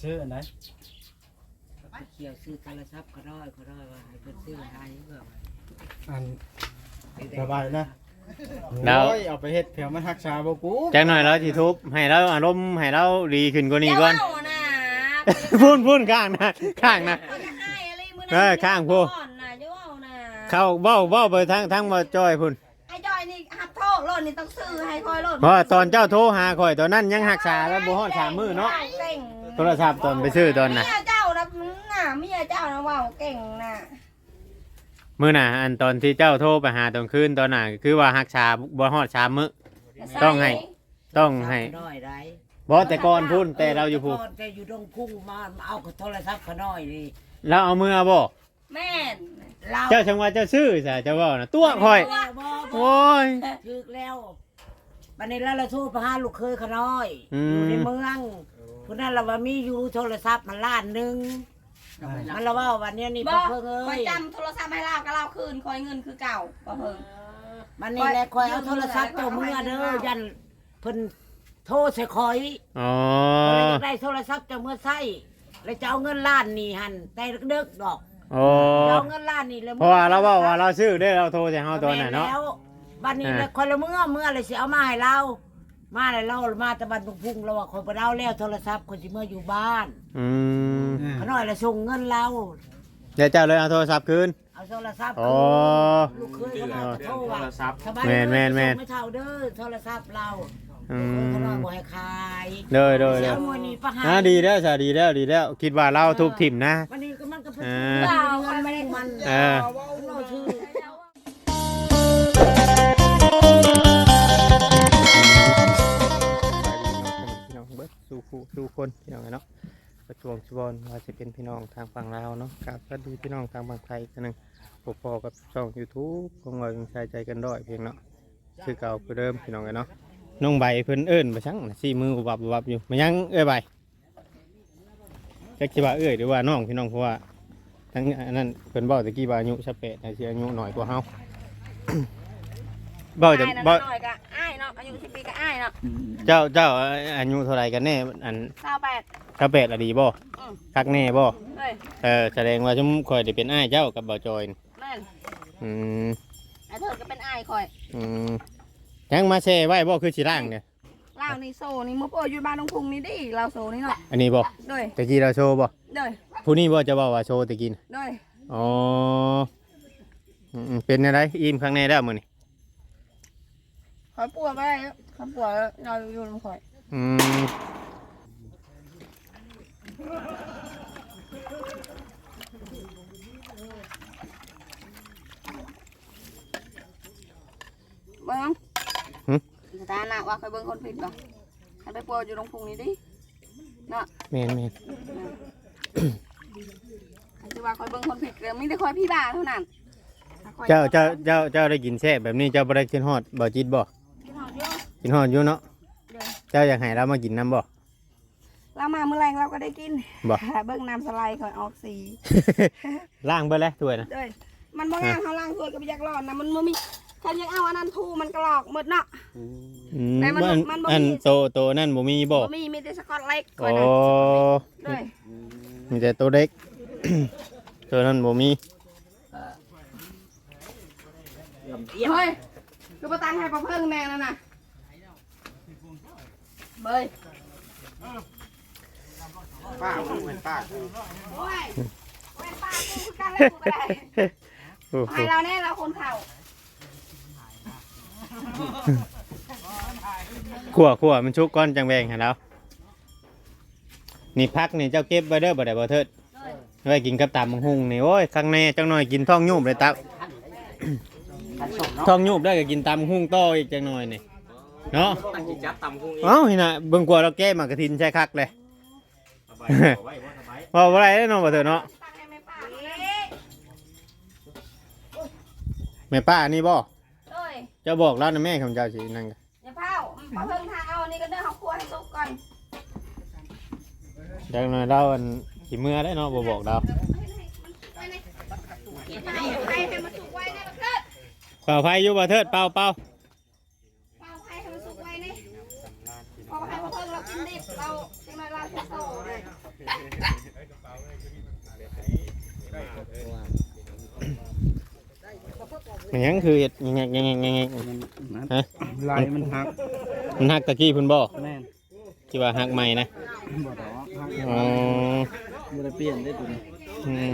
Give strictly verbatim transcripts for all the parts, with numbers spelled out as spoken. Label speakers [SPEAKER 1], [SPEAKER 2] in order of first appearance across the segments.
[SPEAKER 1] ชื่ออันไหน
[SPEAKER 2] เขียวซื้อโทรศัพท์ก็ได้ก็ได้ว่าให้เพิ่นซื้อให้เพื่อ
[SPEAKER 1] อันสบายนะ
[SPEAKER 3] แล้ว
[SPEAKER 1] โอ้ยเอาไปเฮ็ดเผื่อมันรักษาบ่กู
[SPEAKER 3] จังหน่อยเราสิทุบให้เราอารมณ์ให้เราดีขึ้นกว่านี้ก่อน
[SPEAKER 4] เจ้านะ
[SPEAKER 3] พุ่นพุ่นข้างนะข้างนะ
[SPEAKER 4] เขาจะให้อะไรมื้อ
[SPEAKER 3] เออข้างผู้
[SPEAKER 4] ก่อนนะเจ้าเอานะ
[SPEAKER 3] เข้าเว้าเว้าไปทั้งทั้งมาจอยพุ่น
[SPEAKER 4] ไอ้จอยนี่หักโทษโลดนี่ต้องซื้อให้คอยโลด
[SPEAKER 3] เพราะว่าตอนเจ้าโทรหาข่อยตอนนั้นยังรักษาแล้วบ่ฮอดสามมื้อเนาะ
[SPEAKER 4] เก่ง
[SPEAKER 3] โทรศัพท์ตอนไปซื้อตอนน่ะ
[SPEAKER 4] เมียเจ้านะน่ะเมียเจ้านะเว้าเก่งน่ะ
[SPEAKER 3] มื้อน่ะอันตอนที่เจ้าโทรไปหาตอนคืนตอนน่ะคือว่ารักษาบ่ฮอดสามมื้อ ต้องให้ ต้องให้
[SPEAKER 2] น้อยได้
[SPEAKER 3] บ่แต่ก่อนพุ่นแต่เราอยู่พุ่น
[SPEAKER 2] แต่อยู่ตรงพุ่งมาเอาโทรศัพท์ก็น้อยนี่
[SPEAKER 3] เราเอามือบ่
[SPEAKER 4] แม่น
[SPEAKER 2] เรา
[SPEAKER 3] เจ้าจังว่าเจ้าซื้อซะเจ้าเว้าน่ะตัวข่อย
[SPEAKER 2] บ่บ่
[SPEAKER 3] โอ้ย
[SPEAKER 2] ถึกแล้ววันนี้แล้วเราโทรไปหาลูกเคยเขาน้อย
[SPEAKER 3] อืม
[SPEAKER 2] อยู่ในเมืองคนนั้นเราว่ามีอยู่โทรศัพท์มันล้านหนึงมันเราว่าวันนี้นี่
[SPEAKER 4] บ่
[SPEAKER 2] บ่เพิ่งเอ้
[SPEAKER 4] คอย
[SPEAKER 2] ย
[SPEAKER 4] จำโทรศัพท์ให้เราก็เราคืนคอยเงินคือเก่าบ่เพิ่ง
[SPEAKER 2] มันนี่แหละคอยเอาโทรศัพท์เจ้าเมื่อเด้อยันเพิ่นโทรใส่คอย
[SPEAKER 3] อ๋อ
[SPEAKER 2] ก็เลยอยากได้โทรศัพท์เจ้าเมื่อใส่แล้วจะเอาเงินล้านนี่หันแต่เด็กๆดอก
[SPEAKER 3] โอ้
[SPEAKER 2] จะเอาเงินล้านนี่แล้ว
[SPEAKER 3] เพราะว่าเราเว้าว่าเราซื้อได้เราโทรใส่เฮาตอนน่ะเนาะ
[SPEAKER 2] แล้วบัดนี้
[SPEAKER 3] อ่า
[SPEAKER 2] แล้วคนละเมื่อเมื่อเลยสิเอามาให้เรามาแล้วเรามาแตะบันตุงพุ่งเราว่าคนไปเอาแล้วโทรศัพท์คนสิเมื่ออยู่บ้าน
[SPEAKER 3] อืม
[SPEAKER 2] เขาน้อยละส่งเงินเรา
[SPEAKER 3] เดี๋ยวเจ้าเลยเอาโทรศัพท์คืน
[SPEAKER 2] เอาโทรศัพท์
[SPEAKER 3] อ๋อ
[SPEAKER 2] ลูกเคยเขาน้อยโทรว่าสบาย
[SPEAKER 3] แม่นแม่นแม่น
[SPEAKER 2] ส่งไม่เท่าเด้อโทรศัพท์เรา
[SPEAKER 3] อื
[SPEAKER 2] เขา
[SPEAKER 3] ม
[SPEAKER 2] น้อยบ่ให้ขาย
[SPEAKER 3] เด้อเด้อเด้อ
[SPEAKER 2] เสียมวยนี่ประหาร
[SPEAKER 3] อ่าดีแล้วจ้ะดีแล้วดีแล้ว คิดว่าเราทุบถิ่มนะ
[SPEAKER 2] วันนี้ก็มันก็เป็น
[SPEAKER 3] อ่า
[SPEAKER 2] เปล่ามันไม่ได้มัน
[SPEAKER 3] เออ
[SPEAKER 2] เราชื่อ
[SPEAKER 3] พี่น้องเบิดสู่คู่สู่คนพี่น้องเนาะประจวงชวอนว่าจะเป็นพี่น้องทางฝั่งลาวเนาะกับสวัสดีพี่น้องทางฝั่งไทยกันหนึ่งพบพอกับช่อง YouTube ของเรายังใช้ใจกันด้อยเพียงเนาะชื่อเก่าคือเดิมพี่น้องกันเนาะน้องใบเพิ่นเอิ้นมาชั่งสี่มือบับบับอยู่มายังเอ้ยใบจะคิดว่าเอ้ยหรือว่าน้องพี่น้องเพราะว่าทั้งอันนั้นเพิ่นบอกตะกี้ว่าอายุสิบแปดแต่สิอายุน้อยกว่าเฮา บ่จะ
[SPEAKER 4] อ้ายนั่น
[SPEAKER 3] บ่
[SPEAKER 4] น้อยก็อ้ายเนาะอายุสิบปีก็อ้ายเนาะ
[SPEAKER 3] เจ้าเจ้าอายุเท่าไหร่กันแน่อัน
[SPEAKER 4] เก้าแปด
[SPEAKER 3] สิบแปดอะดีบ่
[SPEAKER 4] อืม
[SPEAKER 3] คักแน่บ่
[SPEAKER 4] เฮ้ย
[SPEAKER 3] เออแสดงว่าชุมคอยได้เป็นอ้ายเจ้ากับบ่าวจอยนี่
[SPEAKER 4] แม่น
[SPEAKER 3] อืม
[SPEAKER 4] ไอ้เธอก็เป็นอ้ายคอย
[SPEAKER 3] อืมยังมาแช่ไว้บ่คือสิร่างเนี่ย
[SPEAKER 4] ล่างนี่โซนี่มุกโอ้อยู่บ้านตรงพุงนี่ดิเราโซนี่เนาะ
[SPEAKER 3] อันนี้บ่
[SPEAKER 4] ด้วย
[SPEAKER 3] ตะกี้เราโชว์บ่
[SPEAKER 4] ด้วย
[SPEAKER 3] ผู้นี้บ่จะบอกว่าโชว์ตะกี้น่ะ
[SPEAKER 4] ด้วย
[SPEAKER 3] อ๋ออืมเป็นอะไรอิ่มข้างในแล้วมื้อนี้
[SPEAKER 4] คอยปวดไปคอยปวดเราอยู่ตรงคอย
[SPEAKER 3] อืม
[SPEAKER 4] เบิ้งสถานะว่าคอยเบิ้งคนผิดป่ะให้ไปปวดอยู่ตรงพุงนี่ดิเนาะ
[SPEAKER 3] แม่นแม่น
[SPEAKER 4] คือว่าคอยเบิ้งคนผิดเรื่องไม่ได้คอยพี่บ้าเท่านั้น
[SPEAKER 3] เจ้าเจ้าเจ้าเจ้าได้กินแซ่บแบบนี้เจ้าบ่ได้กินฮอดบ่จิตบ่
[SPEAKER 4] กินหอมเยอะ
[SPEAKER 3] กินฮอดอยู่เนาะ
[SPEAKER 4] เดี๋ยว
[SPEAKER 3] เจ้าอยากให้เรามากินน้ำบ่
[SPEAKER 4] เรามาเมื่อแรงเราก็ได้กิน
[SPEAKER 3] บ่
[SPEAKER 4] เบิ้งน้ำสไลด์คอยออกสี
[SPEAKER 3] ล้างเบิดแล้วถ้วยนะ
[SPEAKER 4] ด้วยมันบ่งามเขาล่างถ้วยกับยักษ์ร้อนนะมันบ่มีคันยังเอาอันนั้นทูมันกรอกหมดเนาะ
[SPEAKER 3] อืม
[SPEAKER 4] แต่มัน
[SPEAKER 3] อัน
[SPEAKER 4] มันบ่มี
[SPEAKER 3] อันโตโตนั่นบ่มีบ่
[SPEAKER 4] บ่มีมีแต่สกอตเล็กคอ
[SPEAKER 3] โอ้
[SPEAKER 4] ยนะด้วย
[SPEAKER 3] มีแต่ตัวเด็ก ตัวนั้นบ่มี
[SPEAKER 4] เฮ้ยคือประตังให้ประเพิ่งแน่นั่นน่ะเบย
[SPEAKER 1] ป้าเหมือนป้า
[SPEAKER 4] โอ้ยแม่ป้ากูคือกันเลยกูก็ได้
[SPEAKER 3] โอ้โห
[SPEAKER 4] ให้เราแน่เราคนเข่า
[SPEAKER 3] ขั่วขั่วมันชุกก้อนจังแบงให้เรานี่พักนี่เจ้าเก็บไว้เด้อบ่ได้บ่เทิดไว้กินกับตำบักหุ่งนี่โอ้ยข้างในจังหน่อยกินท้องยุบเลยตัก ท้องยุบได้ก็กินตำบักหุ่งต่ออีกจังหน่อยนี่เนาะ
[SPEAKER 1] ตั้งจิตจับตำพุงอีก
[SPEAKER 3] เอ้านี่น่ะเบิ่งกลัวเราแก้หมากกระทินใช่คักเลย
[SPEAKER 1] สบายไว้ว่าสบาย
[SPEAKER 3] ว่าบ่ได้เด้อน้องบ่เทิดเนาะ
[SPEAKER 4] ตั้งให้แม่ป้าเอ้ย
[SPEAKER 3] แม่ป้านี่บ่
[SPEAKER 4] เอ้ย
[SPEAKER 3] เจ้าบอกแล้วนะแม่ของเจ้าสินั่นก็
[SPEAKER 4] อย่าเผาประเพิ่งทางเอาอันนี้ก็เดินเขาครัวให้สุกก่อน
[SPEAKER 3] จังหน่อยเราอันสิเมื่อได้เนาะบ่บอกเรา
[SPEAKER 4] ให้ให้มันสุกไว้นะเพื่อน
[SPEAKER 3] เป่าไฟอยู่บ่เทิดเป่าเป่า
[SPEAKER 4] เป่าให้ให้มันสุกไว้นี่พอให้ประเพิ่งเรากินดิบเราจังไรเราจะโตเลย
[SPEAKER 3] มันยังคือเห็ดยังไงยังไงยังไงฮะ
[SPEAKER 1] ลายมันหัก
[SPEAKER 3] มันหักตะกี้เพุ่นบ่
[SPEAKER 1] แม่น
[SPEAKER 3] ที่ว่าหักใหม่นะ
[SPEAKER 1] บ่ดอกหัก
[SPEAKER 3] อ๋อ
[SPEAKER 1] บ่ได้เปลี่ยนได้ตัวนี้
[SPEAKER 3] อืม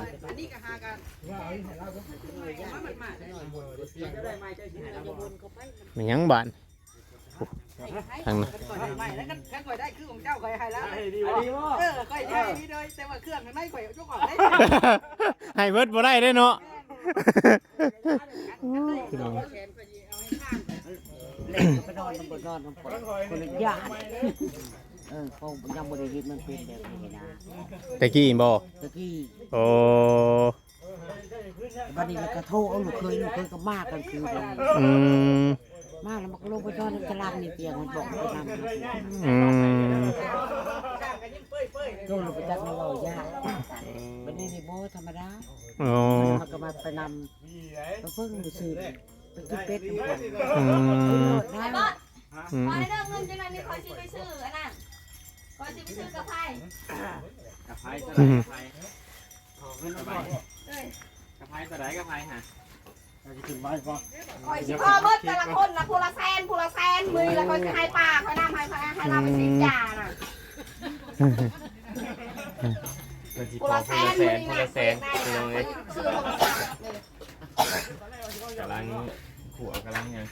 [SPEAKER 3] มันยังบานทางนั้น
[SPEAKER 4] ไม่แล้วกันกันข่อยได้คือของเจ้าข่อยให้แล้ว
[SPEAKER 1] ดีบ่ดีบ่
[SPEAKER 4] เออข่อยได้นี่เลยแต่ว่าเครื่องข้างในข่อยยกออกได้
[SPEAKER 3] ให้เบิดบ่ได้เด้เนาะ
[SPEAKER 2] เล่นไปนอนน้ำบนนอนน้ำฝนคนละอย่างเออเขายังบริหิตมันเป็นแบบนี้นะ
[SPEAKER 3] ตะกี้บ่
[SPEAKER 2] ตะกี้
[SPEAKER 3] โอ้
[SPEAKER 2] วันนี้เรากระโทษเอาลูกเคยลูกเคยก็มากกันคือเลย
[SPEAKER 3] อืม
[SPEAKER 2] มากแล้วมันก็ลงไปนอนในตารางนี่เตียงมันบอกไปนำ
[SPEAKER 3] อืม
[SPEAKER 2] ก็ลงไปจัดมาเรายากวันนี้นี่โบธรรมดา
[SPEAKER 3] โอ้
[SPEAKER 2] มันก็มาไปนำไปเพิ่งไปซื้อไปกินเป็ดทุกคน
[SPEAKER 3] อืม
[SPEAKER 2] ได้
[SPEAKER 5] บอส
[SPEAKER 3] อืม
[SPEAKER 5] ขอให้เลิกเงินจังเลยมีคอยสิไปซื้ออันนั้นคอยสิไปซื้อกระเพรา
[SPEAKER 1] กระไพกระไพกระไพ
[SPEAKER 5] เอ้ย
[SPEAKER 1] กระไพกระไดกระไพฮะจะขึ้นไม้ก่อน
[SPEAKER 5] คอยสิพ่อเบิดแต่ละคนนะผู้ละแสนผู้ละแสนมือละคอยสิให้ป้าคอยนำให้คอยให้เราไปสิจ่าน่ะผู้ละแสนมือนี่นะแสนซื้อโทรศัพท์เลย
[SPEAKER 1] กำลังขัวกำลังยัง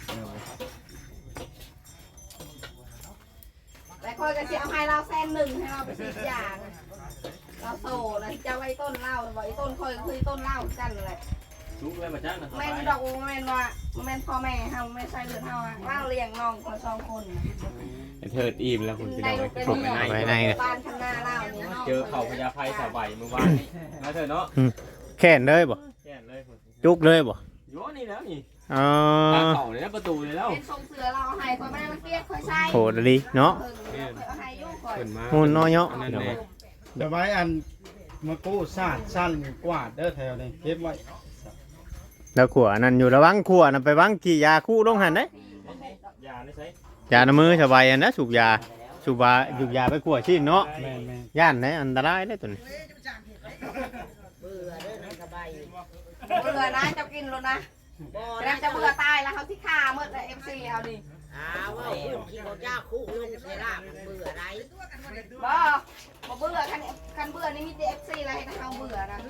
[SPEAKER 5] แต่คอยก็สิเอาให้เราแสนหนึ่งให้เราไปสิจ่าน่ะเราโตนะที่จะไว้ต้นเหล้าบอกไอ้ต้นคอยก็คือต้นเหล้ากันเลย
[SPEAKER 1] ลุกเลยมาจ้างนะ
[SPEAKER 5] แม่นดอกแม่นว่าแม่นพ่อแม่เฮาไม่ใช่เลือดเฮาอะเล่าเลี้ยงน้องคนสองคน
[SPEAKER 1] เถิดอิ่มแล้วคุณพี่น้อง
[SPEAKER 5] ได้
[SPEAKER 1] ไป
[SPEAKER 5] ลูก
[SPEAKER 1] ป
[SPEAKER 5] ได้
[SPEAKER 1] ลุก
[SPEAKER 5] เมี
[SPEAKER 1] ใน
[SPEAKER 5] ย
[SPEAKER 1] ใน
[SPEAKER 5] บ้านข้างหน้าเล่านี่
[SPEAKER 1] เจอเขาพญาไพสาวใบเมื่อวานนี้นะเถิดเนาะ
[SPEAKER 3] แค่นเลยบ่
[SPEAKER 1] แก่เลยคุณ
[SPEAKER 3] จุกเลยบ่
[SPEAKER 1] โยนี่แล้วนี่
[SPEAKER 3] อ๋อ
[SPEAKER 1] ทางเขาเลยนะประตูเลยแล้ว
[SPEAKER 5] เป็นทรงเสือเราเอาให้คอยไม่ได้มาเกลียดคอยใช้
[SPEAKER 3] โหดดีเนาะ
[SPEAKER 5] เออเอาให้ยุ่งคอย
[SPEAKER 1] ขึ้นมา
[SPEAKER 3] หุ่นน้อยเนาะ
[SPEAKER 1] นั่นเลย
[SPEAKER 6] เดี๋ยวไว้อันมากู้ซาดสั้นกวาดเด้อแถวนี้เก็บไว้
[SPEAKER 3] แล้วขัวนั่นอยู่ระวังขัวนั่นไปวังกี่ยาคู่ลงหันเด้
[SPEAKER 1] ยาได้ใช้
[SPEAKER 3] ยาน้ำมือสบายอันนะสูบยาสูบยาสูบยาไปขัวชิ้นเนาะ
[SPEAKER 6] แม่นแม่น
[SPEAKER 3] ย่านไหนอันตรายได้ตัวนี้
[SPEAKER 2] เบื่อเด้อนะสบายอยู่
[SPEAKER 5] เบื่อนะจะกินแล้วนะ
[SPEAKER 2] บ่
[SPEAKER 5] แล้
[SPEAKER 2] นะ
[SPEAKER 5] วจะเบื่อตายแล้วเขาที่ฆ่าเมื่อเอฟซีเอาดิ
[SPEAKER 2] อ้าวว่าพูดกินเขายากคู่ลงเสลามันเบื่ออะไร
[SPEAKER 5] บ่บ่เบื่อคันคันเบื่อนี่มีแต่เอฟซีอะไรให้เขาเบื่อนะ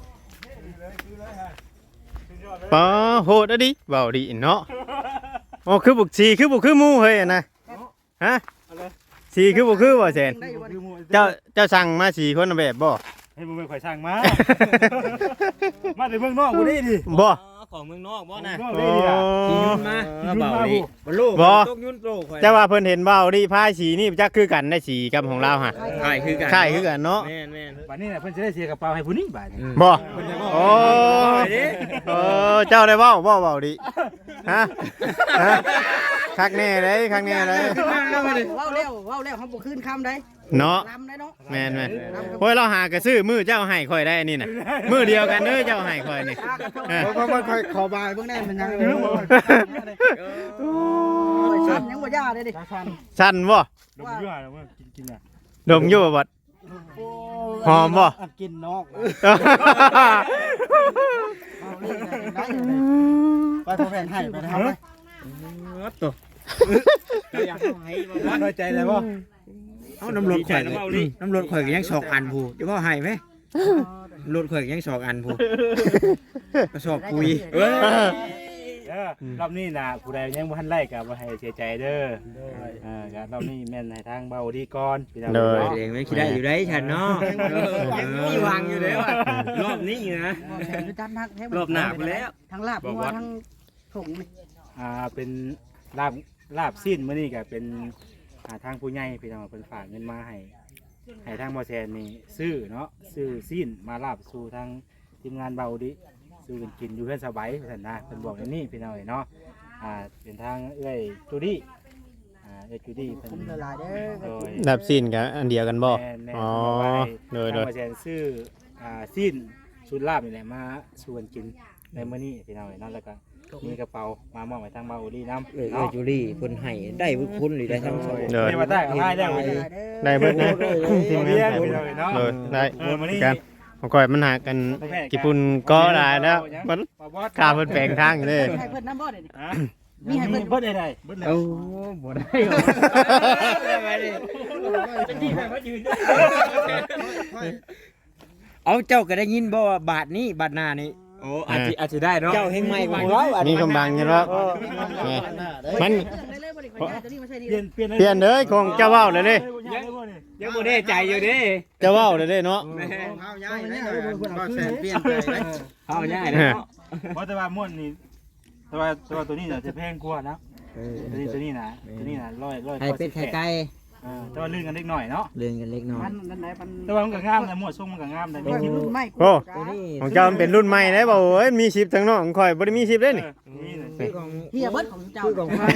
[SPEAKER 3] ปอโหดอะดิเบาดีเนาะโอ้คือบุกชีคือบุกคือหมูเฮ้ยอะนะฮะชีคือบุกคือบ่แซนเจ้าเจ้าสั่งมาสีคนละแบบบ่
[SPEAKER 6] ให้มึงไปข่อยช่างมา มาแต่เมืองนอกกูได้ดิ
[SPEAKER 3] บ่
[SPEAKER 1] ของเมืองนอกบ่นะ
[SPEAKER 6] เมืองนอกได้ดิอ่ะ
[SPEAKER 1] ขี่ยุ่นมา
[SPEAKER 6] เบาดิ
[SPEAKER 1] บลู
[SPEAKER 3] บ่
[SPEAKER 1] ตกยุ่นโตข่อย
[SPEAKER 3] เจ้าว่าเพิ่นเห็นเบาดีพายสีนี่จักคือกันได้สีกับของเราฮะ
[SPEAKER 1] ใช่คือกัน
[SPEAKER 3] ใช่คือกันเนาะ
[SPEAKER 1] แม่นแม่น
[SPEAKER 6] บัดนี้น่ะเพิ่นจะได้เสียกระเป๋าให้ผู้นี้บาดนี้
[SPEAKER 3] บ่โอ้เออเจ้าได้เว้าบ่เว้าดิฮะฮะคักแน่เลยคักแน่เลย
[SPEAKER 4] เว้าแล้วเว้าแล้วเขาบ่คืนคำได้
[SPEAKER 3] เนาะ
[SPEAKER 4] ลำได้เนาะ
[SPEAKER 3] แม่นแม่นโอ้ยเราหากระซื้อมือเจ้าให้ข่อยได้อันนี่น่ะมือเดียวกันเด้อเจ้าให้ข่อยนี่เออ
[SPEAKER 6] เพราะมันข่อยขอบายเบิ่งแน่มันยัง
[SPEAKER 4] โอ้ยซ้ำยังบ่ย่าเลยดิ
[SPEAKER 3] สั้นบ่
[SPEAKER 6] ดมยั่วแล้วว่ากินกินอ่ะ
[SPEAKER 3] ดมอยู่บ่บัดหอมบ่
[SPEAKER 6] กินนอกไปพอแฟนให้ไปนะครับตัวอยากให้บ่น้อยใจเลยบ่
[SPEAKER 7] เอาน้ำรถข่อยน้ำรถข่อยก็ยังสองอันผู้จะว่าให้ไหมรถข่อยก็ยังสองอันผู้กระสอบปุ๋ย
[SPEAKER 6] เออรอบนี้นะผู้ใดยังบ่ทันไล่ก็บ่ให้เสียใจเด้อเออก็รอบนี้แม่นให้ทางเบาดีก่อนพี่น้อง
[SPEAKER 3] เลย
[SPEAKER 7] เองไม่คิดได้อยู่ได้ฉันเนาะมีวางอยู่แล้วรอบนี้นะ รอบหน้าไปแล้ว
[SPEAKER 4] ทั้งลาบนัวทั้งผงนี่
[SPEAKER 6] อ่าเป็นลาบลาบสิ้นมื้อนี้ก็เป็นอ่าทางผู้ใหญ่พี่น้องเพิ่นฝากเงินมาให้ให้ทางบ่แซนนี่ซื้อเนาะซื้อสิ้นมาลาบสู่ทางทีมงานเบาดีซื้อกันกินอยู่เพื่อนสบายว่าซั่นนะเพิ่นบอกอย่างนี้พี่น้องเนาะอ่าเป็นทางเอ้ยจูดี้อ่าเอ้ยจูดี้เพิ่น
[SPEAKER 4] คุ้มละลายเด้อ
[SPEAKER 6] โดย
[SPEAKER 3] ดับซีนกับอันเดียวกันบ่
[SPEAKER 6] แม่นแม่น
[SPEAKER 3] อ๋อ
[SPEAKER 6] บอกว่าให้
[SPEAKER 3] โดยโด
[SPEAKER 6] ทาง
[SPEAKER 3] ย
[SPEAKER 6] บ่แซนซื้ออ่าสิ้นชุดลาบนี่แหละมาสู่กันกินในมื้อนี้พี่น้องเนาะแล้วก็มีกระเป๋ามามอบให้ทางเบาดีนำ
[SPEAKER 7] เออ
[SPEAKER 6] เนาะ
[SPEAKER 7] จูลี่คนให้ได้บุญคุณหรือได้ทั้งสอง
[SPEAKER 3] เลย
[SPEAKER 6] ไม่มาได้ก็ได้แล้ว
[SPEAKER 3] ได้เบิดนะทีม
[SPEAKER 6] เรีย
[SPEAKER 3] งาน น
[SPEAKER 6] พี่น้องเนาะ
[SPEAKER 3] เลยได้
[SPEAKER 6] เออมื้อนี้
[SPEAKER 3] กันของก่อยมันหากันกี่ปุ่นก็ได้แล้วมันข้าเพิ่นแปลงทางอยู่เด้
[SPEAKER 2] ให้เพิ่นน้ำบ่ได้
[SPEAKER 6] มีให้เพิ่นเบิดได้ได้เบิดแล้ว
[SPEAKER 7] โอ้บ่ได้หรอเอาเจ้าก็ได้ยินบ่ว่าบาทนี้บาทหน้านี่
[SPEAKER 1] โอ้อาจจะอาจจะได้เนาะ
[SPEAKER 7] เจ้าเฮงใหม่กว่าเรา
[SPEAKER 3] มีกำบังอยู่แล้วมัน
[SPEAKER 6] เปลี่ยนเปลี่ยน
[SPEAKER 3] เปลี่ยนเด้อของเจ้าเว้าเลยเด้
[SPEAKER 1] ยังบ่ได้ใจอยู่ดิ
[SPEAKER 3] เจ้าเว้าเลยเด้เนาะ
[SPEAKER 7] เฮาย้ายได้บ่แสนเปลี่ยนใจได้
[SPEAKER 1] เอาง่ายเลยเนาะ
[SPEAKER 6] เพราะแต่ว่าม่วนนี่แต่ว่าแต่ว่าตัวนี้น่ะจะแพงกว่านะ
[SPEAKER 7] เออ
[SPEAKER 6] ตัวนี้ตัวนี้นะตัวนี้นะร้อยร้อย
[SPEAKER 7] ไข่เป็ดไข่ไก่
[SPEAKER 6] เออแต่ว่าลื่นกันเล็กหน่อยเนาะ
[SPEAKER 7] เลื่อนกันเล็กน้อย
[SPEAKER 6] แต่ว่ามันก็งามนะหมวดทรงมันก็งามนะมีคลิป
[SPEAKER 3] โอ้
[SPEAKER 7] ตัวนี้
[SPEAKER 3] ของเจ้ามันเป็นรุ่นใหม่ได้บ่เอ้ยมีชิปทั้งนอกของข่อยบ่ได้มีชิปเด้นี่
[SPEAKER 6] นี่น่ะ
[SPEAKER 7] คือของ
[SPEAKER 2] เฮียเบิดของเจ้า
[SPEAKER 7] คือของข้า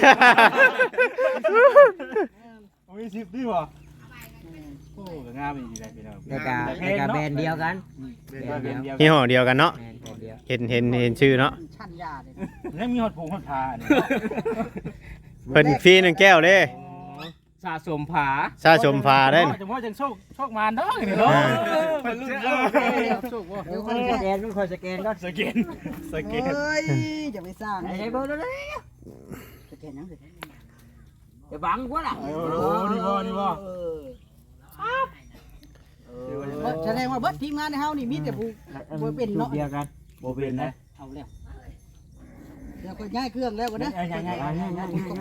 [SPEAKER 6] โอ้ยสิบดีบ่โอ้ก็งามอีกเลยพี่น้อง
[SPEAKER 7] แล้วก็แล้วก็แบรนด์เดียวกัน
[SPEAKER 6] แบรนด์เดียว
[SPEAKER 3] ยี่ห้อเดียวกันเนาะ
[SPEAKER 7] แบรนด์เดียว
[SPEAKER 3] เห็นเห็นเห็นชื่อเนาะ
[SPEAKER 2] ชั้นยาเลย
[SPEAKER 6] แล้วมีฮอดผงฮอดผ้าเนี่ย
[SPEAKER 3] เพิ่นฟรีหนึ่งแก้วเด้
[SPEAKER 1] สะสมผา
[SPEAKER 3] ชาชมพาได้นี่
[SPEAKER 6] จังว่าจังโชคโชคมารเด้อนี่เนาะ
[SPEAKER 1] มันรุ่น
[SPEAKER 7] เดี๋ยวคนสแกนต้องคอยสแกนก่อน
[SPEAKER 6] สแกนสแกน
[SPEAKER 2] เฮ้ยอย่าไปสร้าง
[SPEAKER 7] ใช้เบอร์เลย
[SPEAKER 2] สแกนยังสิ
[SPEAKER 7] จะบังกว่าล่ะ
[SPEAKER 6] โอ้โหนี่บ่นี่บ่
[SPEAKER 2] แสดงว่าเบิดทีมงานในเฮานี่มีแต่ผู้บ่เป็นเนาะ
[SPEAKER 7] เดียวกัน
[SPEAKER 6] บ่เป็นนะ
[SPEAKER 2] เอาแล้วเดี๋ยวก็ย้ายเครื่องแล้วก็นะ
[SPEAKER 6] ง่ายๆ
[SPEAKER 7] อ่าง่าย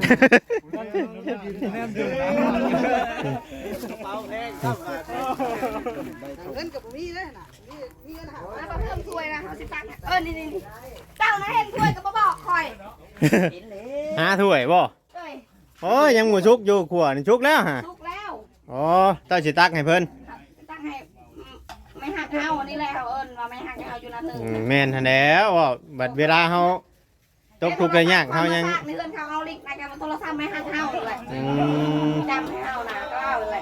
[SPEAKER 2] เงินกับบ่มีเลยน่ะมีมีเงินหา
[SPEAKER 5] มาเพิ่มถ้วยนะเอาสิตักเออนี่นี่เจ้านะเห็นถ้วยก็บ่บอกคอย
[SPEAKER 3] หาถ้วยบ่
[SPEAKER 5] เอ้ย
[SPEAKER 3] โอ้ยยังบ่ชุกอยู่ขวนี่ชุกแล้วฮะ
[SPEAKER 5] สุกแล้ว
[SPEAKER 3] อ๋อเจ้าสิตักให้เพิ่น
[SPEAKER 5] ตั้งให้ไม่หักเอาอันนี้แล้วเอิ้นว่าไม่หักเอาอยู่นั่นนึง
[SPEAKER 3] อืมแม่นหั่นแหล้วว่าบัดเวลาเฮาตกทุกข์ได้ยากเฮายัง
[SPEAKER 5] ในเรื่องเขาเอาลิงก์ในการโทรศัพท์ไม่หักเอาเลย
[SPEAKER 3] อืม
[SPEAKER 5] จำให้เอานะก็เอาเลย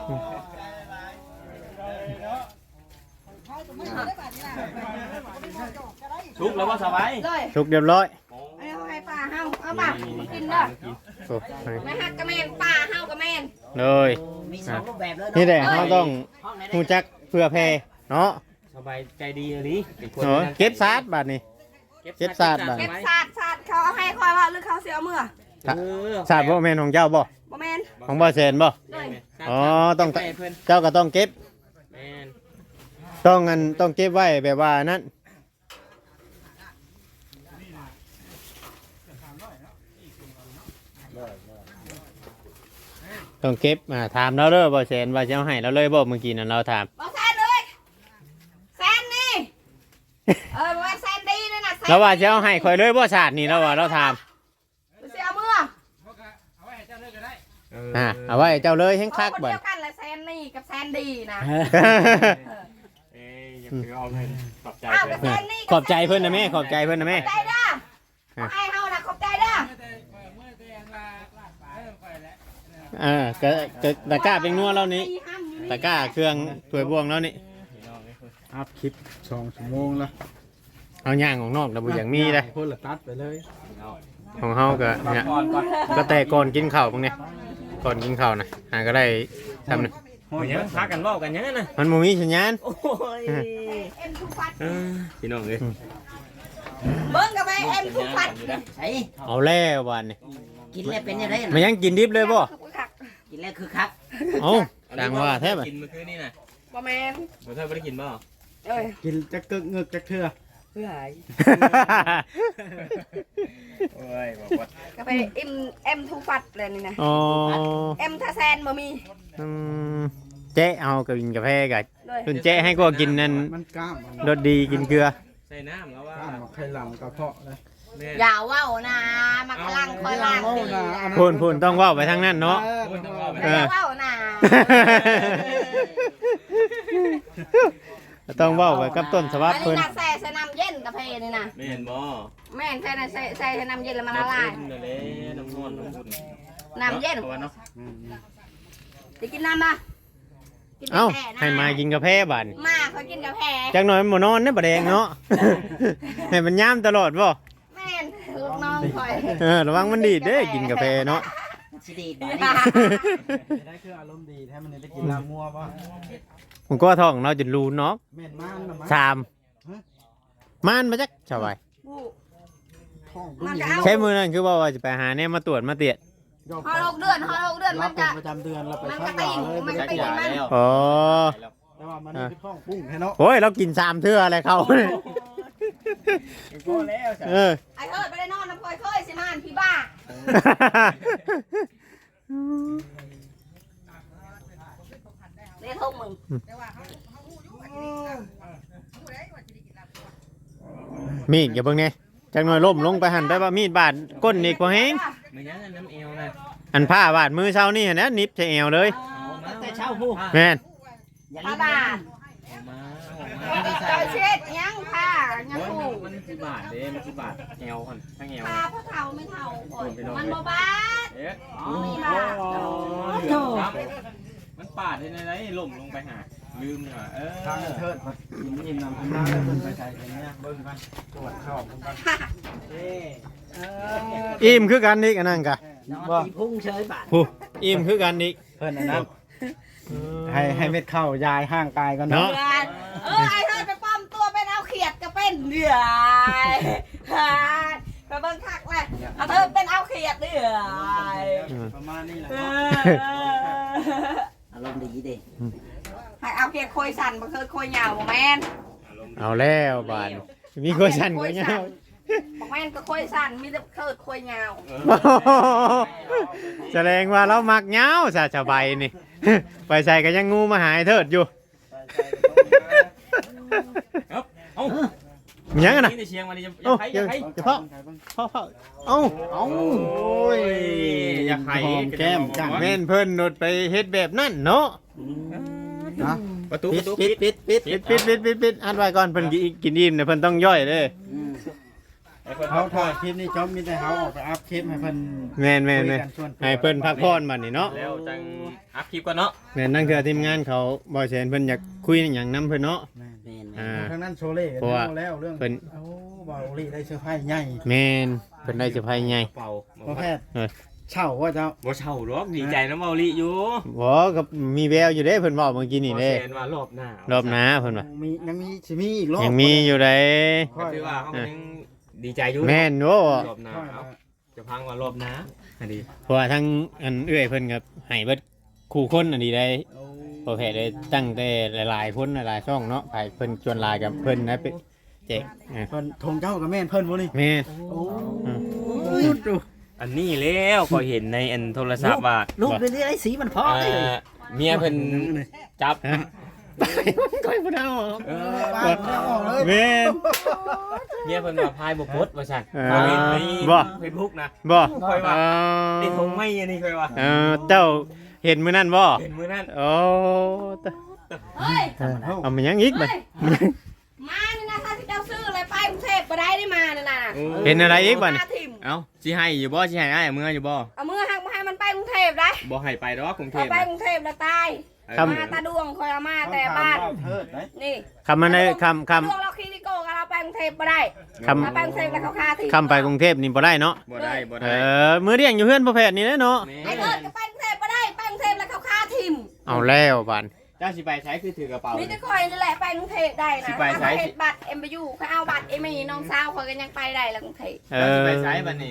[SPEAKER 1] ชุกแล้วว่าสบาย
[SPEAKER 5] เลย
[SPEAKER 3] ชุกเรียบร้อย
[SPEAKER 5] เอาให้ป้าเฮาเอาป่ะกินเด้อ
[SPEAKER 3] โอ้ย
[SPEAKER 5] ไม่หักกระแมนป้าเฮากระแมน
[SPEAKER 3] เลย
[SPEAKER 2] มีสองรูปแบบเลย
[SPEAKER 3] นี่แหละเฮาต้องฮู้จักเพื่อแพ่เนาะ
[SPEAKER 1] สบายใจดีเลยเป็นคน
[SPEAKER 3] โอ้ยเก็บซาดบาดนี้ เก็บซาดบาด
[SPEAKER 5] เก็บศาสตร์ศาสตร์เขาเอาให้คอยว่าหรือเขาเสียเมื่อ
[SPEAKER 3] ซาดบ่แม่นของเจ้าบ่
[SPEAKER 5] บ่แมน
[SPEAKER 3] ของบ่แซนบ่
[SPEAKER 5] เลย
[SPEAKER 3] อ๋อต้อง
[SPEAKER 1] ไปเพิ่น
[SPEAKER 3] เจ้าก็ต้องเก็บ
[SPEAKER 1] แม่น
[SPEAKER 3] ต้องอันต้องเก็บไว้แบบว่านั้นต้องเก็บอ่าถามเราเด้อบ่แซนว่าจะเอาให้เราเลยบ่เมื่อกี้นั้นเราถาม
[SPEAKER 5] บ่แซนเลยแซนนี่เออว่าแซนดีเลยนะแซน
[SPEAKER 3] เราว่าจะเอาให้ข่อยเลยบ่ชาตินี่เราว่าเราถาม
[SPEAKER 5] เสียเมื่อ
[SPEAKER 3] อ่าเอาไว้เจ้าเลยแห้งคัก
[SPEAKER 5] คน
[SPEAKER 3] บ่
[SPEAKER 5] เดียวกันแหละแซนนี่กับแซนดีนะ
[SPEAKER 1] เอ้ยอย่าไปเอาเงินปรับใจ
[SPEAKER 5] อ้าว
[SPEAKER 1] เพิ่
[SPEAKER 5] กับ
[SPEAKER 1] น
[SPEAKER 5] แซนนี่
[SPEAKER 3] ขอบใจเพิ่นนะแม่ขอบใจเพิ่นนะแม่
[SPEAKER 5] ขอบใจเด้อขอให้เฮานะขอบใจเด้อ
[SPEAKER 3] อ่าก็ก็ตะกร้าเป็นนัวเรานี่ตะกร้าเครื่องถ้วยบวงแล้วนี่
[SPEAKER 7] อัพคลิปสองชั่วโมงละ
[SPEAKER 3] เอาย่างของนอกนะบ่อย่างมีเลย
[SPEAKER 7] คนละตัดไปเลย
[SPEAKER 3] ของเฮาก็เนี่ย
[SPEAKER 1] ก่อนก่อน
[SPEAKER 3] ก็แต่ก่อนกินข้าวพวกเนี้ยก่อนกินข้าวนะหาก็ได้ทำนึง
[SPEAKER 1] โอ้ยยังพากันเว้ากันยังน่ะ
[SPEAKER 3] มันบ่มีสัญญาณ
[SPEAKER 1] โอ้ย
[SPEAKER 5] เอ็มทุกฟัด
[SPEAKER 1] เออพี่น้องเอ้ย
[SPEAKER 5] เบิ่งกับไปเอ็มทุกฟัด
[SPEAKER 2] ใช่
[SPEAKER 3] เอาแล้วบานนี่
[SPEAKER 2] กินแล้วเป็นยังไง
[SPEAKER 3] มันยังกินดิบเลยบ่
[SPEAKER 2] กินแล้วคือคัก
[SPEAKER 3] เอ้าดังว่าแท้บ่
[SPEAKER 1] กินเมื่อคืนนี่น่ะ
[SPEAKER 5] บ่แมน
[SPEAKER 1] บ่เคยบ่ได้กินบ่
[SPEAKER 5] เอ้ย
[SPEAKER 7] กินจะกึกเงึกจะเถื่อ
[SPEAKER 1] เพื่ออะไรโอ้ยบอกว่า
[SPEAKER 5] กับไปเอ็มเอ็มทุกฟัดเลยนี่นะ
[SPEAKER 3] อ๋อ
[SPEAKER 5] เอ็มทาแซนบ่มี
[SPEAKER 3] อืมเจ๊เอากับกินกาแฟกับ
[SPEAKER 5] เลย
[SPEAKER 3] คุณเจ๊ให้ก็กินนั่น
[SPEAKER 7] มันกล้ามมัน
[SPEAKER 3] รสดีกินเกลือ
[SPEAKER 1] ใส่น้ำแล้วว่าก
[SPEAKER 7] ล้ามมาไข่หลังกระเพาะเลย
[SPEAKER 1] แม่
[SPEAKER 5] อย่าว่าวนะมันกำลังคอยล้างดีนะ
[SPEAKER 3] พูนพูนต้องเว่าไปทางนั้นเนาะ
[SPEAKER 1] พูดต้องว่าไป
[SPEAKER 3] เอ
[SPEAKER 5] อย่า
[SPEAKER 3] อ
[SPEAKER 5] ว่าวนะ
[SPEAKER 3] ต้องเว่าไปกับต้นฉบั
[SPEAKER 5] อั
[SPEAKER 3] บ
[SPEAKER 5] นนี้
[SPEAKER 3] เพิ่น
[SPEAKER 5] นะแซ่ใส่น้ำเย็นกาแฟนี่นะ
[SPEAKER 1] แม่นบ่
[SPEAKER 5] แม่นแซ่ใส่ใส่ใส่น้ำเย็นแล้วมันละลาย
[SPEAKER 1] นั่นแหละน้ำนอนน้ำบุญ
[SPEAKER 5] น้ำเย็น
[SPEAKER 1] อาว่าเนาะ
[SPEAKER 5] จะกินน้ำปะกิน
[SPEAKER 3] เอ้าก
[SPEAKER 5] าแฟนะ
[SPEAKER 3] ให้มากินกาแฟบาดน
[SPEAKER 5] มาเขากินกาแฟ
[SPEAKER 3] จักหน่อยมันบ่นอนเด้อบ่แดงเนาะ ให้มันย่ามตลอดบ่
[SPEAKER 5] แม่นลูกน้องคอย
[SPEAKER 3] เออระวังมันดีดเด้อกินกาแฟเนาะ
[SPEAKER 2] สิดี
[SPEAKER 7] ได้คืออารมณ์ดีแท้มันได้กินลามัวป่ะ
[SPEAKER 3] ผมันก็ท้องเราจะรู้เนาะ
[SPEAKER 7] แม่นมานนะมัน
[SPEAKER 3] สามมานมาจักสบาย
[SPEAKER 5] ผู้
[SPEAKER 7] ท้อง
[SPEAKER 5] มัน
[SPEAKER 7] มี
[SPEAKER 5] จะเอา
[SPEAKER 3] ใช้มือนั่นคือว่าว่าจะไปหาเนี่ยมาตรวจมาเตียด
[SPEAKER 5] ฮอลกเดือนฮอลกเดือน
[SPEAKER 7] รั
[SPEAKER 5] มั
[SPEAKER 7] บ
[SPEAKER 5] น
[SPEAKER 7] เป็น
[SPEAKER 5] จะ
[SPEAKER 7] ประจำเดือนเราไป
[SPEAKER 5] มัน
[SPEAKER 7] ซั
[SPEAKER 5] ก็
[SPEAKER 7] ก
[SPEAKER 5] ตี
[SPEAKER 7] ยาเลย
[SPEAKER 5] มันก็ตี
[SPEAKER 1] ยา
[SPEAKER 5] มัน
[SPEAKER 1] แล้ว
[SPEAKER 3] อ๋อ
[SPEAKER 7] แต่ว่ามันนี่คือท้องปุ้งแท้เนาะ
[SPEAKER 3] โอ้ยเรากินสามเทื่ออะไรเขาเนี่ย
[SPEAKER 1] พอแล้วจ้ะ
[SPEAKER 3] เออ
[SPEAKER 5] ไอ้เถิดไปได้นอนน้ำพลอยเคยสิมานพี่บ้าเรียกทุ่งมึง
[SPEAKER 3] มีดอย่าเบิ่งเนี่ยจังหน่อยล้มลงไปหันไปว่ามีดบาดก้นอีกพอแห้ง
[SPEAKER 1] ไม่ยังน้ำเอวนะ
[SPEAKER 3] อันผ้าบาดมือเช้านี่เห็นนะนิบใส่เอวเลย
[SPEAKER 7] แต่เช้าผู้
[SPEAKER 3] แม่น
[SPEAKER 5] ป้าบ้า
[SPEAKER 1] มา
[SPEAKER 5] เจ้าเช็ดยังค่ะยังผูก
[SPEAKER 1] มันคือบาทเด้มันคือบาทเอวคนทั้งเอว
[SPEAKER 5] พาพ่อเฒ่าไม่เฒ่าก่อนมันบ่บาด
[SPEAKER 1] เอ๊ะ
[SPEAKER 5] มีบาด
[SPEAKER 1] มันปาดในไรล่มลงไปหาลืมเนี่ยเออ
[SPEAKER 7] ทางเทิดกินอิ่มนำคุณมาแล้วเพิ่นไปใส่กันเนี่ยเบิ่งกันตรวจเข้าเบิ่งกันเอ้เออ
[SPEAKER 3] อิ่มคือกันอีกอันนั้นกะ
[SPEAKER 7] บ่พุ่งเฉยบาด
[SPEAKER 3] ผู้อิ่มคือกันอีก
[SPEAKER 7] เพิ่นอันนั้นให้ให้เม็ดเข้ายายห่างกายกัน
[SPEAKER 3] เนาะ
[SPEAKER 7] เนาะ
[SPEAKER 5] เออไอ้เธอไปป้อมตัวเป็นเอาเขียดก็เป็นเดือยไปเบิ่งคักเลยเอาเธอเป็นเอาเขียดเดือย
[SPEAKER 7] ประมาณนี้แหละ
[SPEAKER 5] เอ
[SPEAKER 7] เนาะ
[SPEAKER 5] อ
[SPEAKER 7] อารมณ์ดีเด้
[SPEAKER 5] ให้เอาเขียดโคยสั่นบ่เคยโคยเหยาวบ่แม่น
[SPEAKER 3] เอาแล้วบาดมีคนสั่นกว่าเงี้ย
[SPEAKER 5] บ่แม่นก็โคยสั่นมีแต่เคิดโคยเหยาว
[SPEAKER 3] แสดงว่าเรามักเหงาซะสบายนี่ ไปใส่ก็ยังงูมาหายเถิดอยู่
[SPEAKER 1] เอ้า
[SPEAKER 3] มีหยังกันนะ
[SPEAKER 1] นี่ในเชียงวันนี้จะ
[SPEAKER 3] เอ้า
[SPEAKER 1] ใคร
[SPEAKER 3] เดี๋
[SPEAKER 1] จะ
[SPEAKER 3] ยว
[SPEAKER 1] ใคร
[SPEAKER 3] เดี๋ยวพ่อพ่อพ่อเอ้าเอ้า
[SPEAKER 1] โอ้ยอยากไข่
[SPEAKER 7] หอมแก้มจัง
[SPEAKER 3] แม่นเพิ่นนดไปเฮ็ดแบบนั้นเนาะ
[SPEAKER 7] นะ
[SPEAKER 1] ประตูป
[SPEAKER 7] ปิด
[SPEAKER 1] ระตู
[SPEAKER 7] ปิดปิดปิด
[SPEAKER 3] ปิดปิดปิดปิดปิดอัดไว้ก่อนเพิ่นกินกินอิ่มเดี๋ยวเพิ่นต้องย่อยเด้อ
[SPEAKER 7] เขาถ่ายคลิปนี้จอมมีแต่เขาออกไปอัพคลิปให้เพิ่น
[SPEAKER 3] แม่นแม่น
[SPEAKER 7] คุย
[SPEAKER 3] แม่น
[SPEAKER 7] กันส่วนตัว
[SPEAKER 3] ให้เพิ่นพักผ่อนบัดนี้เนาะ
[SPEAKER 1] แล้วจังอัพคลิปก่อนเนาะ
[SPEAKER 3] แม่นนั่นคือทีมงานเขาบ่แซนเพิ่นอยากคุยหยังนํเพิ่นเนาะอ่า
[SPEAKER 7] ทางนั้นโชเล่
[SPEAKER 3] เพราะว่า
[SPEAKER 7] แล้วเรื่อง
[SPEAKER 3] เพิ่น
[SPEAKER 7] โอ้บาลีได้เสื้อผ้าใหญ่
[SPEAKER 3] แม่นเพิ่นได้เซอร์ไพรส์ใหญ่
[SPEAKER 1] เป่า
[SPEAKER 7] พ่อแพทย์
[SPEAKER 3] เออ
[SPEAKER 7] เช่าว่าเจ้า
[SPEAKER 1] บ่เช่าหรอกดีใจน้ำเมาลีอยู่
[SPEAKER 3] บ่ก็มีแววอยู่เด้เพิ่นเว้าเมื่อกี้นี่เด้
[SPEAKER 1] แสนว่ารอบหน้าร
[SPEAKER 3] อบหน้าเพิ่นว่า
[SPEAKER 7] มียังมีสิมีอีกรอบ
[SPEAKER 3] ยังมีอยู่เด้
[SPEAKER 1] ก็คือว่าเขาก็ยังดีใจอยู่
[SPEAKER 3] แม่นโว้
[SPEAKER 1] รอบหน้าเอาจะพังว่ารอบหน้าอันนี้
[SPEAKER 3] เพราะว่าทั้งอันเอื้อยเพิ่นก็ให้เบิดคู่คนอันนี้ได้พอแพทย์ได้ตั้งแต่หลายๆพ้นหลายๆช่องเนาะไปเพิ่นชวนหลายกับเพิ่นนะไปแจกอ่า
[SPEAKER 7] เพิ่นทงเจ้ากับแม่นเพิ่นบ่นี่
[SPEAKER 3] แม่น
[SPEAKER 7] โอ้
[SPEAKER 3] ย
[SPEAKER 7] ดู
[SPEAKER 1] อันนี้แล้วก็เห็นในอันโทรศัพท์ว่า
[SPEAKER 7] ลูกเป็นไอ้สีมันพอ
[SPEAKER 1] เอ่อเมียเพิ่นจับ
[SPEAKER 3] ฮะไปก้อยบ่ได้ออก
[SPEAKER 1] เอ
[SPEAKER 7] ปาดเอาออกเลย
[SPEAKER 3] แม่น
[SPEAKER 1] เมียเพิ่นว่าพายบ่พดว่าซั่น
[SPEAKER 3] เออ
[SPEAKER 1] เขาเห็นใน
[SPEAKER 3] บ่
[SPEAKER 1] เฟซบุ๊กนะ
[SPEAKER 3] บ่
[SPEAKER 1] ค่อยว่า
[SPEAKER 3] เออ
[SPEAKER 1] ติดธงไม่อันนี้ค่อยว่า
[SPEAKER 3] เออเจ้าเห็นมื้อนั้นบ่
[SPEAKER 1] เห็นมื้อนั้น
[SPEAKER 3] โอ้ตะ
[SPEAKER 5] เฮ้ย
[SPEAKER 3] เอามายังอีกบัด
[SPEAKER 5] เฮ้ยมานี่นะถ้าสิเจ้าซื้ออะไรไปกรุงเทพบ่ได้ได้มานี่น่ะ
[SPEAKER 3] เห็นอะไรอีกบัดนี่
[SPEAKER 5] มาถิ่ม
[SPEAKER 1] เอ้าสิให้อยู่บ่สิให้อ้ายเมื่ออยู่บ่
[SPEAKER 5] เอามือหักมาให้มันไปกรุงเทพได้
[SPEAKER 1] บ่ให้ไปดอกกรุงเท
[SPEAKER 5] เอา
[SPEAKER 1] พ
[SPEAKER 5] ไป
[SPEAKER 1] นะ
[SPEAKER 5] กรุงเทพแล้วตาย
[SPEAKER 3] คำ
[SPEAKER 5] มาตาดวงคอยเอามาแต่บ้าน
[SPEAKER 7] เทิดไหน
[SPEAKER 5] นี่
[SPEAKER 3] คำมันได้คำค
[SPEAKER 5] ดวงเราคีริโกกันเราไปกรุงเทพบ่ได้
[SPEAKER 3] ำค
[SPEAKER 5] มาไปกรุงเทพแล้วเขาฆ่าทิ้ง
[SPEAKER 3] ำคำไปกรุงเทพนี่บ่ได้เนาะ
[SPEAKER 1] บ่ได้บ่
[SPEAKER 3] เอ
[SPEAKER 1] ได้
[SPEAKER 3] อมื้อเที่ยงอยู่เฮือนพ่อแพทย์นี่แหละเนาะ
[SPEAKER 5] ไอ้เกิดก็ไปกรุงเทพบ่ได้ไปกรุงเทพแล้วเขาฆ่าทิ้ง
[SPEAKER 3] เอาแล้วบัด
[SPEAKER 1] เจ้าสิไปใช้คือถือกระเป๋า
[SPEAKER 5] มีแต่คอยนี่แหละไปกรุงเทพได้นะ
[SPEAKER 1] สิไปไส
[SPEAKER 5] ถ้าเขาเฮ็ดบัตรเอ็มไปอยู่เขาเอาบัตรเอ็มไม่น้องสาวคอยก็ยังไปได้แล้วกรุงเทพ
[SPEAKER 3] เอ
[SPEAKER 1] เจ้า
[SPEAKER 3] อ
[SPEAKER 1] สิไปใช้บัดนี้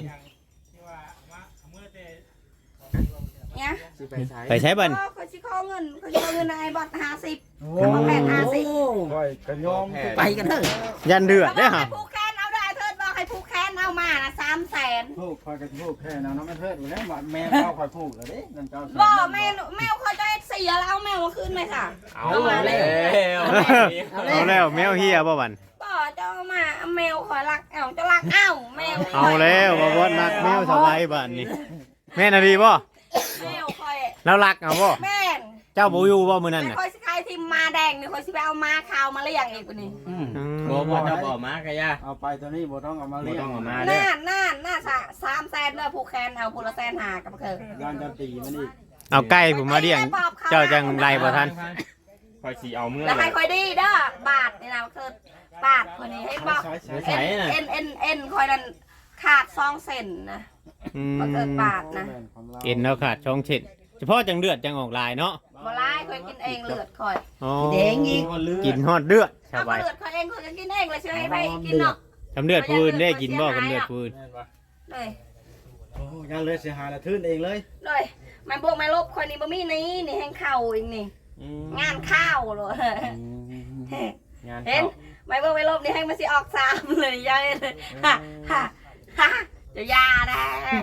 [SPEAKER 5] เนี่ย
[SPEAKER 1] สิไปใช้
[SPEAKER 3] ไปใช้บัด
[SPEAKER 5] ก็เขาสิขอเงินเขาสิขอเงินนายบัตรห้าสิบ
[SPEAKER 7] โอ้
[SPEAKER 5] มาแปดห้าสิบ
[SPEAKER 7] ค่อยกระยอม
[SPEAKER 1] ไปกันเถอะ
[SPEAKER 3] ยันเดือด
[SPEAKER 5] บ
[SPEAKER 3] เด้
[SPEAKER 5] อ
[SPEAKER 3] อก ฮะ
[SPEAKER 5] ให้ผู้แค้นเอาได้เทิดบอกให้ผู้แค้นเอามานะสามแสน
[SPEAKER 7] พูกค่อยกระพูกแค่นั้นเนาะแม่เทิดอยู่แล้วแม่เจ้าค่อยพูกแล้วเด้นั่นเจ้า
[SPEAKER 5] บอกแม่แมวคอยจะเสียแล้วเอาแมวมาคืนไหมค่ะ
[SPEAKER 1] เอาแล้ว
[SPEAKER 3] เอาแล้วแมวเฮียบ่บัน
[SPEAKER 5] บอกจะเอามาเอาแมวคอยรักเอาจะรักเอ้าแมว
[SPEAKER 3] เอาแล้วบ่บ่รักแมวสบายบัดนี่แม่นอะดีบ่
[SPEAKER 5] แมวคอย
[SPEAKER 3] แล้วรักเอาบ่
[SPEAKER 5] แม่น
[SPEAKER 3] เจ้าบ่อยู่บ่มื้อนั้น
[SPEAKER 5] แต่
[SPEAKER 3] น่ะ
[SPEAKER 5] คอยสิขายทิมมาแดงนี่คอยสิไปเอามาขาวมาเลี้ยงอีกคนนี้
[SPEAKER 7] อืม
[SPEAKER 3] อืม
[SPEAKER 1] บ่บ่เจ้าบ่มากะย่า
[SPEAKER 7] เอาไปตัวนี้บ่ต้องเอามา
[SPEAKER 1] บ่
[SPEAKER 7] เลี้ยง
[SPEAKER 1] ต้องเอามาเด้
[SPEAKER 5] น่า
[SPEAKER 1] อ
[SPEAKER 5] น่าน่าสะสามแสนเด้อผู้แค้นเอาผู้ละแสนหากับเธอ
[SPEAKER 7] ยานจะตีมันอีก
[SPEAKER 3] เอาไก่ผมมาเลี้ยง เจ้าจังไรบ่ทัน
[SPEAKER 1] คอยสิเอาเมื่อ
[SPEAKER 5] แล้วให้คอยดีเด้อบาทนี่นะคือบาทคนนี้ให้บอก
[SPEAKER 7] ใช้ใช้
[SPEAKER 1] ใช้น่ะ
[SPEAKER 5] เอ็นเอ็นเอ็นคอยนั่นขาดซองเซนนะ
[SPEAKER 3] อืม
[SPEAKER 5] บ่เกิดบาทนะ
[SPEAKER 3] เอ็นแล้วขาดช่องเช็ดเฉพาะจังเดือดจังออกลายเนาะ
[SPEAKER 5] แบ่ร้ายคอยกินเองเลือดคอย
[SPEAKER 3] อ๋อ
[SPEAKER 2] แดงอีก
[SPEAKER 3] กินฮอดเลือดส
[SPEAKER 5] เอา
[SPEAKER 3] บาย
[SPEAKER 5] เลือดคอยเองคอยก็กินเองเลยเชื่อให้ไปกินเนาะ
[SPEAKER 3] ทำเลือดปืนได้กินบ่กับเลือดปืน
[SPEAKER 5] เลย
[SPEAKER 6] โอ้ยานเลยเสียหายละทื่นเองเลย
[SPEAKER 5] เลยมันบวกไม่ลบคอยนี่บ่มีนี่นี่แห้งเข่าอีกนี่งานข้าวเลย
[SPEAKER 1] งาน
[SPEAKER 5] เห็นไม่บวกไม่ลบนี่แห้งมันสิออกสามเลยยายเลยฮ่าฮ่าฮ่าจะยาได้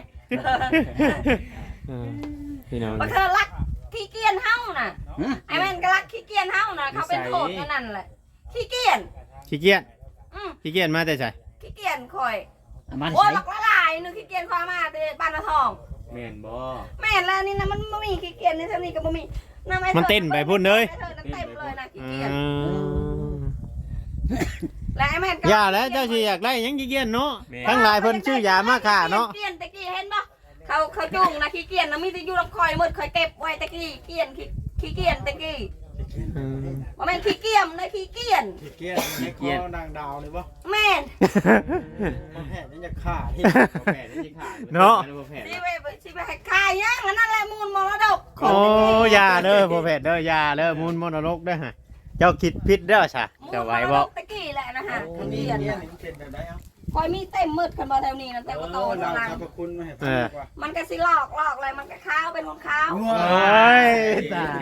[SPEAKER 3] เออพี่น้อง
[SPEAKER 5] บ่เธอรักขี้เกียจเฮาน่ะไอ้แม่นก็รักขี้เกียจเฮาน่ะเขาเป็นโทษกันนั่นแหละขี้เกียจ
[SPEAKER 3] ขี้เกียจ
[SPEAKER 5] อืม
[SPEAKER 3] ขี้เกียจมาแต่ไส
[SPEAKER 5] ขี้เกียจคอย
[SPEAKER 7] มัน
[SPEAKER 5] โอ้ย
[SPEAKER 7] ใส่
[SPEAKER 5] บักละลายนึงขี้เกียจความมาแต่บ้านละทอง
[SPEAKER 1] แม่นบ่
[SPEAKER 5] แม่นแล้วนี่นะมันบ่มีขี้เกียจในเท่านี้ก็บ่มีะไอ้
[SPEAKER 3] มันเต้นไปพุ่นเลย
[SPEAKER 5] ไอ้เธอนั่นเต็มเลยนะขี้
[SPEAKER 3] อื
[SPEAKER 5] เกียจ
[SPEAKER 3] ม
[SPEAKER 5] และไอ้แม่นก็
[SPEAKER 3] อย่าแล้วเจ้าสิอยากได้หยังขี้เกียจเนาะทั้งหลายเพิ่นชื่อยามาฆ่าเนาะ
[SPEAKER 5] ขี้เกียจตะกี้เห็นบ่เขาเขาจุงนะขี้เกียจนะมีแต่อยู่ลำคอยหมดคอยเก็บไว้ตะกี้เกียจขี้ขี้เกียจตะกี้
[SPEAKER 3] อืม
[SPEAKER 5] บ่แม่นขี้เกียจนะขี้เกียจ
[SPEAKER 6] ขี้เกียจในคอนางดาวเลยบ่
[SPEAKER 5] แม่น
[SPEAKER 6] บ่แพ้นี่จะฆ่าที่
[SPEAKER 1] บ่แพ้นี่สิขาด
[SPEAKER 3] เนาะ
[SPEAKER 1] บ่แพ้
[SPEAKER 5] สิไปสิไปให้ขายยังอันนั่นแหละมูลมรดก
[SPEAKER 3] โอ้อยาเด้อพ่อแพทย์เด้ออยาเด้อมูลมรดกเด้อฮะเจ้าคิดผิดเด้อซะ
[SPEAKER 5] มูล
[SPEAKER 3] เจ้าม ไหว
[SPEAKER 5] ร
[SPEAKER 3] บ่
[SPEAKER 5] ดกตะกี้แหละนะฮะขี้
[SPEAKER 6] นี่
[SPEAKER 5] เกียจ
[SPEAKER 6] เนี่ย
[SPEAKER 5] น่ะ
[SPEAKER 6] นี่เป็นแบบไหนเอ้า
[SPEAKER 5] คอยมีเต็มมืดกันมาแถวนี้นะแต่ก็โต
[SPEAKER 6] เออ
[SPEAKER 5] เท่า
[SPEAKER 6] เรา
[SPEAKER 5] นั้น
[SPEAKER 6] สรรพคุณมาให้ฟังดีกว่า
[SPEAKER 5] มันก็สิหลอกหลอกอะไรมันก็ข้าวเป็นคนข้าว
[SPEAKER 3] โอ้ยตาย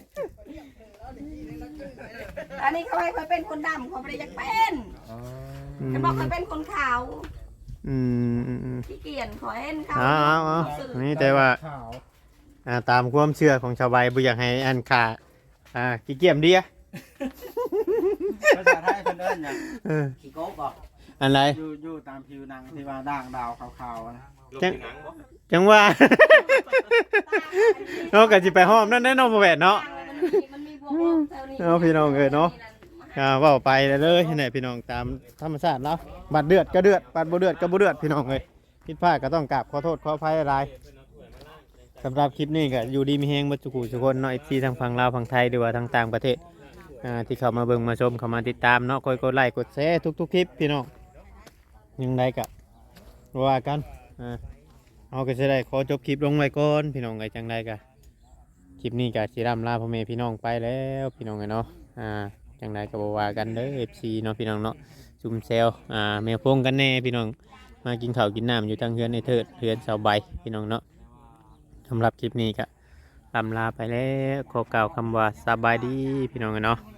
[SPEAKER 5] อันนี้เขาให้คอยเป็นคนดำเขาไม่ได้อยากเป็น
[SPEAKER 3] อืม
[SPEAKER 5] เขาบอกคอยเป็นคนขาว
[SPEAKER 3] อืมอืมอืม
[SPEAKER 5] ขี้เกียจขอเห็นเขา
[SPEAKER 3] เอาเอาเอานี่แต่ว่า
[SPEAKER 6] ขาว
[SPEAKER 3] อ่าตามความเชื่อของชาวใบบ่อยากให้อันขาอ่าขี้เกียจเดีย
[SPEAKER 6] ภาษาไทยเพิ่นเอิ้นหยัง
[SPEAKER 3] เออ
[SPEAKER 7] ขี้โก๊กบ่
[SPEAKER 3] อันไร
[SPEAKER 6] อยู่อยู่ตามผิวหนังที่ว่าด่างดาวขาวๆนะ
[SPEAKER 3] จังจังว่า เนาะก็สิไปห้อมนั่นแน่เนอนบ่แม่นเนาะ
[SPEAKER 5] มันมีบวกลบแถวนี้
[SPEAKER 3] เอาพี่น้องเอ้ยเนาะ อ่าเว้าไปเลยเลยนี่พี่น้องตามธรรมชาติแล้วบัดเดือดก็เดือดบัดบ่เดือดก็บ่เดือดพี่น้องเอ้ยผิดพลาดก็ต้องกราบขอโทษขออภัยหลายสำหรับคลิปนี้ก็อยู่ดีมีแฮงบ่ทุกผู้ทุกคนเนาะ เอฟ ซี ทางฝั่งลาวฝั่งไทยหรือว่าทางต่างประเทศอ่าที่เข้ามาเบิ่งมาชมเข้ามาติดตามเนาะคอยกดไลค์กดแชร์ทุกๆคลิปพี่น้องยังไดก็ว่ากันอ่าเอาก็จะได้ขอจบคลิปลงไว้ก่อนพี่น้องไงจังไดก็คลิปนี้ก็สิร่ำลาพ่อแม่พี่น้องไปแล้วพี่น้องไงเนาะอ่าจังไดก็บ่ว่ากันเด้อ เอฟ ซี เนาะพี่น้องเนาะซุ่มแซวอ่าแมวพงกันแน่พี่น้องมากินข้าวกินน้ำอยู่ทางเฮือนในเทิดเฮือนเสาใบพี่น้องเนาะสำหรับคลิปนี้ก็ลำลาไปแล้วขอกล่าวคำว่าสบายดีพี่น้องไงเนาะ